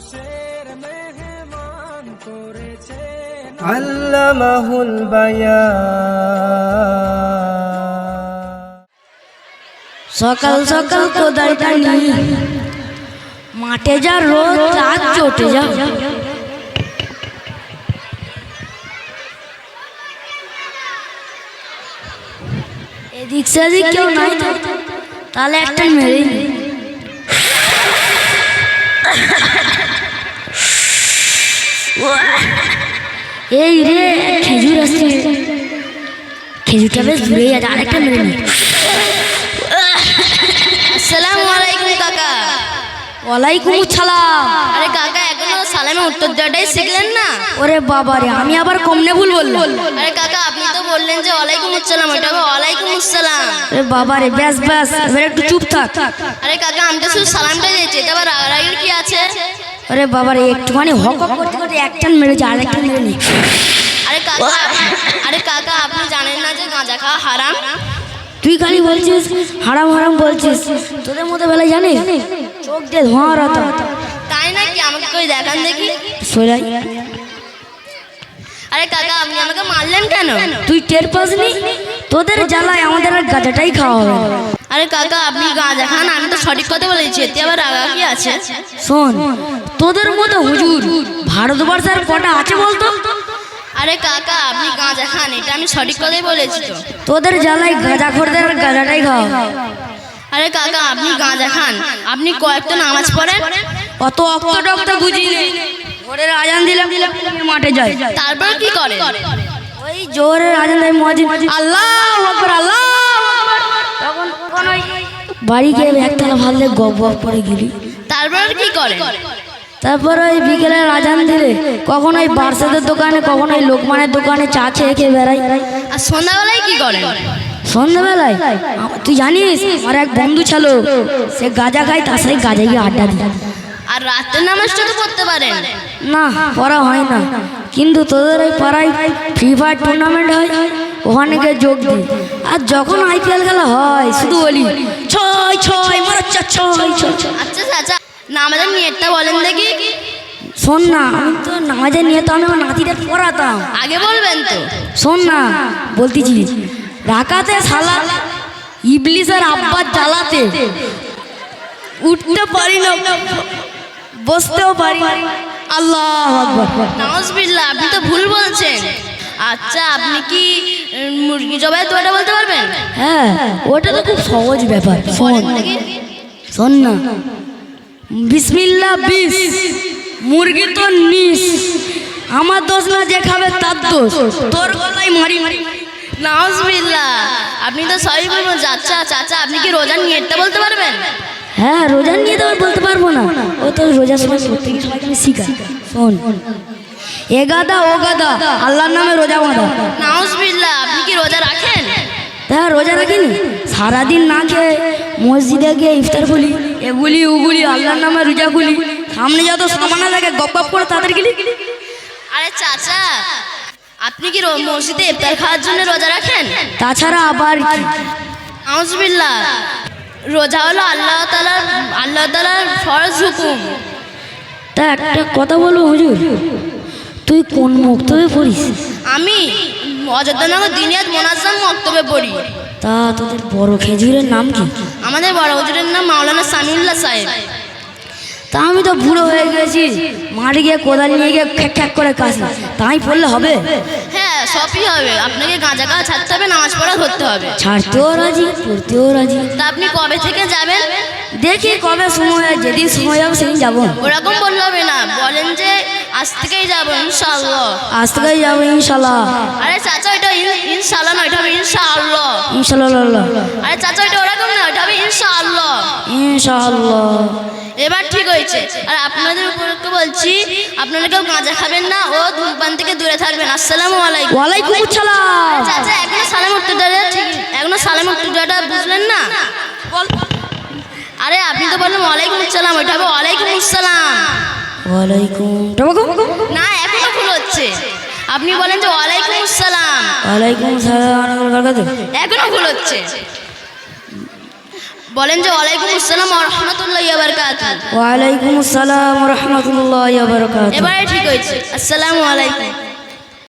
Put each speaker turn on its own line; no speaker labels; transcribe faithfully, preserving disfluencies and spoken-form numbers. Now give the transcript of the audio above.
আল্লামাহুল বায়ান।
সকাল সকাল কোদালটা নিয়ে মাঠে যা রোদ চাঁদ চটে যাও। এদিক সেদিক কেউ নাই তো তাহলে একটা মেরে নি। এই রে খেজুর আসছে, খেজুরটা বেশ দূরে যাচ্ছে, আরেকটা মেরে নি।
আসসালামু আলাইকুম কাকা।
ওয়ালাইকুম আসসালাম।
আরে কাকা এখনো সালামে উত্তর দেওয়াটাই শিখলেন না?
ওরে বাবা রে, আমি আবার কমনে ভুল বললাম।
আরে কাকা আপনি তো বললেন যে ওয়ালাইকুম আসসালাম, ওটা হবে ওয়ালাইকুম আসসালাম।
আরে বাবা রে, ব্যাস ব্যাস, এবার একটু চুপ থাক।
আরে কাকা আমি তো শুধু সালামটা দিয়েছি, এটা আবার রাগারাগির কি আছে?
আরে বাবা রে, একটুখানি হক হক করতে করতে একটান মেরেছে, আরেকটা মেরে নি।
আরে কাকা আরে কাকা আপনি জানেন না যে গাঁজা খাওয়া হারাম?
তুই খালি বলছিস হারাম হারাম বলছিস, তোদের মতো বেলায় জানিস চোখ দিয়ে ধোঁয়া রাতা।
তাই নাকি? আমাকে কই দেখান দেখি।
সোলাই,
আরে কাকা আপনি আমাকে মারলেন কেন?
তুই টের পাসনি? তোদের জ্বালায় আমাদের আর গাঁজাটাই খাওয়া হবে।
আরে কাকা আপনি গাঁজা খান, আমি তো সঠিক কথা বলেছি, এতে আবার রাগা কি আছে?
শোন, তোদের মতো হুজুর ভারতবর্ষের কটা আছে বলতো?
আরে কাকা আপনি গাঁজা খান, এটা আমি সঠিক কথাই বলেছি তো।
তোদের জ্বালায় গাঁজা খোরদের আর গাঁজাটাই খাওয়া হবে।
আরে কাকা আপনি গাঁজা খান, আপনি কয়েকটা নামাজ পড়েন।
অত অক্ত টক্ত বুঝি নেই। ভোরের আজান দিলাম দিলাম মাঠে যাই,
তারপর কি করে?
ওই জোরের আজান দেয় মুয়াজ্জিন, আল্লাহু আকবার আল্লাহু আকবার, তখন তখন ওই বাড়ি গিয়ে একতলা ভাবলে গপ গপ করে গেলি।
তারপর কি করে?
তারপর ওই বিকেলের আজান দিলে কখন ওই বার্সাদের দোকানে, কখন ওই লোকমানের দোকানে চা খেয়ে খেয়ে বেড়াই।
আর সন্ধ্যাবেলায় কি করে?
সন্ধ্যাবেলায় তুই জানিস আমার এক বন্ধু ছিল, সে গাঁজা খায়, তার সাথে গাঁজা গিয়ে আড্ডা দিই।
আর রাতের নামাজটা তো পড়তে পারেন।
না, পড়া হয় না, কিন্তু তোদের ওই পাড়ায় ফ্রি ফায়ার টুর্নামেন্ট হয়, ওখানে গিয়ে যোগ দিই। আর যখন আইপিএল খেলা হয় শুধু বলি ছয় ছয় মারাচ্ছা ছয় ছয়।
আচ্ছা চাচা নামাজের নিয়তটা বলেন দেখি।
শোন না, আমি তো নামাজের নিয়ে তো আমি আমার নাতিদের পড়াতাম।
আগে বলবেন তো।
শোন না বলতেছি, রাকাতে সালাত ইবলিসের আব্বার জ্বালাতে উঠতে পারি না, বসতেও পারি না। আল্লাহু আকবার।
নাউজুবিল্লাহ, আপনি তো ভুল বলছেন। আচ্ছা আপনি কি উম, মুরগি জবাই তো এটা বলতে পারবেন?
হ্যাঁ, ওটা তো খুব সহজ ব্যাপার। শোন
বলেন দেখি।
শোন না, বিসমিল্লাহ বিস, মুরগি তো নিস, আমার দোষ না, যে খাবে তার দোষ, তোর গলায় মারি মারি।
নাউজুবিল্লাহ, আপনি তো সবই বলবেন। চাচা চাচা আপনি কি রোজার নিয়তটা বলতে পারবেন?
হ্যাঁ, রোজা নিয়ে তো আর বলতে পারবো না, ও তো রোজার সময় প্রত্যেক সবাইকে আমি শিখাই। শোন, এ গাদা ও গাদা আল্লাহর নামে রোজা বাঁধা।
নাউজুবিল্লাহ, আপনি কি রোজা রাখেন?
হ্যাঁ, রোজা রাখিনি, সারাদিন না খেয়ে মসজিদে গিয়ে ইফতার করি, এগুলি ওগুলি আল্লাহর নামে রোজা খুলি, সামনে যত সামানা লাগে গপ গপ করে তাদের গেলি।
আরে চাচা আপনি কি রো- মসজিদে ইফতার খাওয়ার জন্য রোজা রাখেন?
তাছাড়া আবার কি?
নাউজুবিল্লাহ, রোজা হলো আল্লাহ তাআলার আল্লাহ তাআলার ফরজ হুকুম।
তা একটা কথা বলবো হুজুর, তুই কোন মক্তবে পড়িস?
আমি অযোধ্যানগর দিনিয়াত মোনাজ্জাম মক্তবে পড়ি।
তা তোদের বড় খেজুরের নাম কি?
আমাদের বড় হুজুরের নাম মাওলানা সামিউল্লাহ সাহেব।
তা আমি তো বুড়ো হয়ে গেছি, মাঠে গিয়ে কোদাল নিয়ে গিয়ে খ্যাক খ্যাক করে কাশি, তাই পড়লে হবে?
হ্যাঁ সবই হবে, আপনাকে গাঁজা খাওয়া ছাড়তে হবে, নামাজ পড়া ধরতে হবে।
ছাড়তেও রাজি, পড়তেও রাজি।
তা আপনি কবে থেকে যাবেন?
দেখি কবে সময় হয়, যেদিন সময় যাবো সেদিন যাবো।
ওরকম বললে হবে না, বলেন যে আজ থেকেই যাবো ইনশাআল্লাহ।
আজ থেকেই যাবো ইনশাল্লাহ।
আরে চাচা ওইটা ইন- ইনশাআল্লাহ না, ওইটা হবে ইনশাআল্লাহ।
ইনশাল্লাহ
আরে চাচা ওইটা ওরকম না, ওইটা হবে ইনশাআল্লাহ।
ইনশাল্লাহ।
এবার ঠিক হয়েছে। আর আপনাদের উপরকে বলছি আপনারা কেউ গাঁজা খাবেন না ও ধূমপান থেকে দূরে থাকবেন। আসসালামু আলাইকুম।
ওয়ালাইকুম আসসালাম।
চাচা এখনো সালাম উত্তরটা ঠিক এখনো সালাম উত্তরটা বুঝলেন না? আরে আপনি তো বললেন ওয়ালাইকুম আসসালাম, ওইটা হবে ওয়ালাইকুম আসসালাম।
ওয়ালাইকুম
না এখনো ভুল হচ্ছে, আপনি বলেন যে ওয়ালাইকুম আসসালাম,
ওয়ালাইকুম আসসালাম।
এখনো ভুল হচ্ছে। বলেন যে ওয়ালাইকুম আসসালাম ওয়া রাহমাতুল্লাহি ওয়া বারাকাতুহু।
ওয়ালাইকুম আসসালাম রহমতুল্লাহ বারকাত।
এবারে ঠিক হয়েছে। আসসালামু আলাইকুম।